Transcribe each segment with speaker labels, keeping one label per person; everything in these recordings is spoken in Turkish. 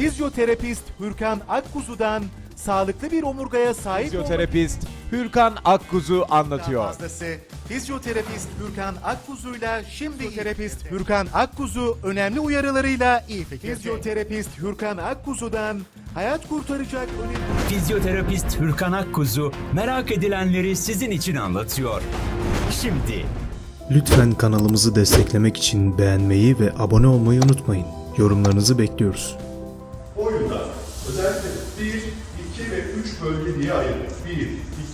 Speaker 1: Fizyoterapist Hürkan Akkuzu'dan sağlıklı bir omurgaya sahip
Speaker 2: Fizyoterapist Hürkan Akkuzu anlatıyor.
Speaker 1: fazlası. Fizyoterapist Hürkan Akkuzu'yla şimdi fizyoterapist Hürkan Akkuzu önemli uyarılarıyla iyi fikirde. Fizyoterapist Hürkan Akkuzu'dan hayat kurtaracak önemli...
Speaker 3: Fizyoterapist Hürkan Akkuzu merak edilenleri sizin için anlatıyor. Şimdi
Speaker 4: Lütfen kanalımızı desteklemek için beğenmeyi ve abone olmayı unutmayın. Yorumlarınızı bekliyoruz.
Speaker 5: Oyunda özellikle 1, 2 ve 3 bölge diye ayırıyoruz. 1, 2, 3.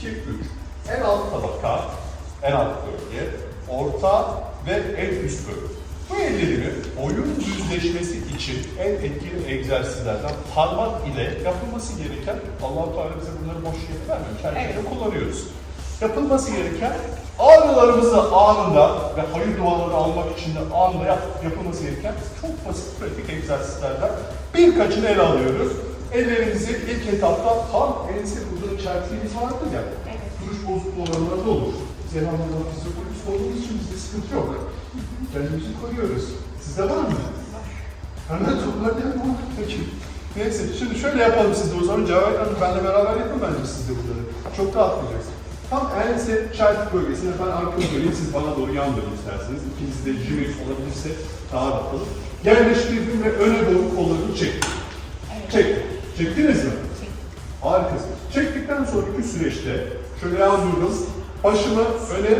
Speaker 5: En alt tabaka, en alt bölge, orta ve en üst bölge. Bu ellerimi oyun düzleşmesi için en etkili egzersizlerden parmak ile yapılması gereken, Allah-u Teala bize bunları boş yere vermemiş, her şeyde kullanıyoruz. Yapılması gereken ağrılarımızı anında ve hayır duaları almak için de anında yapılması gereken çok basit pratik egzersizlerden birkaçını ele alıyoruz. Ellerimizi ilk etapta tam ense burada çerçevemiz vardır ya, duruş bozukluğu olanlarda olur. Biz elhamdülillah fizyoterapist olduğumuz için bizde sıkıntı yok. Kendimizi koruyoruz. Sizde var mı? Hemen toplar değil mi? Peki. Neyse, şimdi şöyle yapalım siz de o zaman. Cevahir Hanım, benle beraber yapın bence siz de bunları. Çok rahatlayacaksınız. Tam ense çeltik bölgesine ben arkamı döneyim, siz bana doğru yan dönün isterseniz. İkiniz de jimix olabilirse daha rahat olur. Yerleştirdim ve öne doğru kollarını çektim. Çektim. Çektiniz mi? Harikasınız. Çektikten sonraki süreçte şöyle yazdırdım. Başımı öne,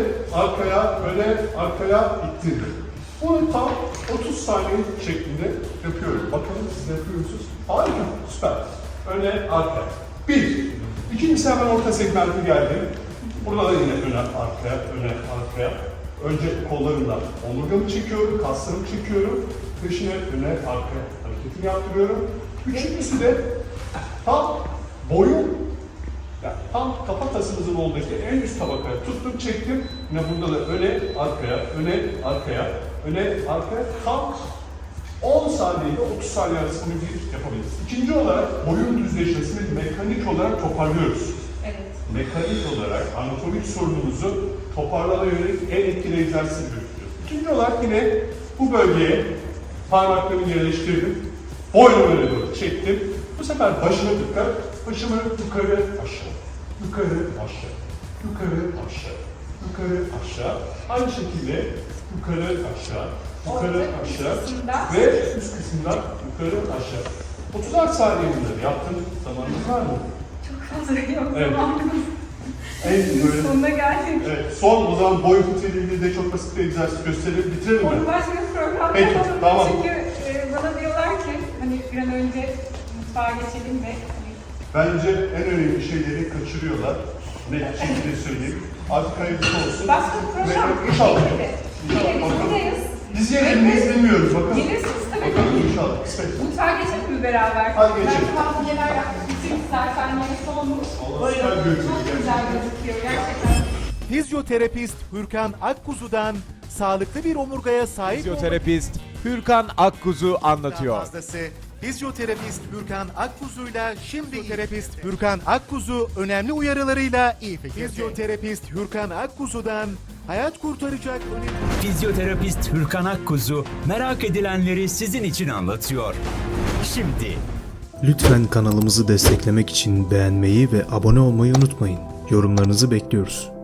Speaker 5: arkaya ittirdim. Bunu tam 30 saniye şeklinde yapıyorum. Bakalım siz yapıyor musunuz? Harika, süper. Öne, arkaya. Bir. İkincisi hemen orta segmente geldim. Burada da yine öne, arkaya. Önce kollarımla omurgamı çekiyorum, kaslarımı çekiyorum. Peşine öne, arkaya hareketini yaptırıyorum. Üçüncüsü de tam boyun, yani tam kafatasımızın olduğu en üst tabakaya tuttum, çektim. Yine burada da öne, arkaya, tam 10 saniye ile 30 saniye arasında bir yapabiliriz. İkinci olarak boyun düzleşmesini mekanik olarak toparlıyoruz.
Speaker 6: Evet.
Speaker 5: Mekanik olarak anatomik sorunumuzu toparlamaya yönelik en etkili egzersizi götürüyoruz. İkinci olarak yine bu bölgeye parmaklarımı yerleştirdim. Boynumu öne doğru çektim. Bu sefer başıma dikkat. Başımı yukarı aşağı. Yukarı aşağı. Yukarı aşağı. Yukarı aşağı. Aynı şekilde yukarı aşağı. Yukarı aşağı. Ve üst kısımdan yukarı aşağı. 30'ar saniye bunları yaptım. Zamanınız var mı?
Speaker 6: Çok fazla yok.
Speaker 5: Evet.
Speaker 6: Zamanımız.
Speaker 5: En böyle...
Speaker 6: Sonuna geldik.
Speaker 5: Evet, son o zaman boy fıtığıyla ilgili de çok basit bir egzersiz gösterelim. Bitirelim mi?
Speaker 6: Onun başka bir program
Speaker 5: Peki,
Speaker 6: yapalım.
Speaker 5: tamam.
Speaker 6: Çünkü bana diyorlar ki hani bir an önce mutfağa geçelim ve hani,
Speaker 5: Bence en önemli şeyleri kaçırıyorlar. Net şekilde söyleyeyim. Artık hayırlısı olsun.
Speaker 6: başka bir program.
Speaker 5: İnşallah.
Speaker 6: Evet,
Speaker 5: Bakalım.
Speaker 6: buradayız.
Speaker 5: Biz yemeğini bilmiyoruz. Bakalım.
Speaker 6: Gelirsiniz tabii.
Speaker 5: Bakalım inşallah. Kısmet.
Speaker 6: Mutfağa geçelim mi beraber?
Speaker 5: Hadi geçelim.
Speaker 6: Ben tavsiyeler yapmak için zaten yeni olmuş.
Speaker 5: Allah süper gözüküyor
Speaker 6: Çok güzel
Speaker 5: gerçekten.
Speaker 6: gözüküyor gerçekten.
Speaker 1: Fizyoterapist Hürkan Akkuzu'dan sağlıklı bir omurgaya sahip
Speaker 2: Fizyoterapist Hürkan Akkuzu anlatıyor.
Speaker 1: fazlası. Fizyoterapist Hürkan Akkuzu'yla şimdi fizyoterapist Hürkan Akkuzu önemli uyarılarıyla iyi fikirde. Fizyoterapist Hürkan Akkuzu'dan hayat kurtaracak önemli...
Speaker 3: Fizyoterapist Hürkan Akkuzu merak edilenleri sizin için anlatıyor. Şimdi
Speaker 4: Lütfen kanalımızı desteklemek için beğenmeyi ve abone olmayı unutmayın. Yorumlarınızı bekliyoruz.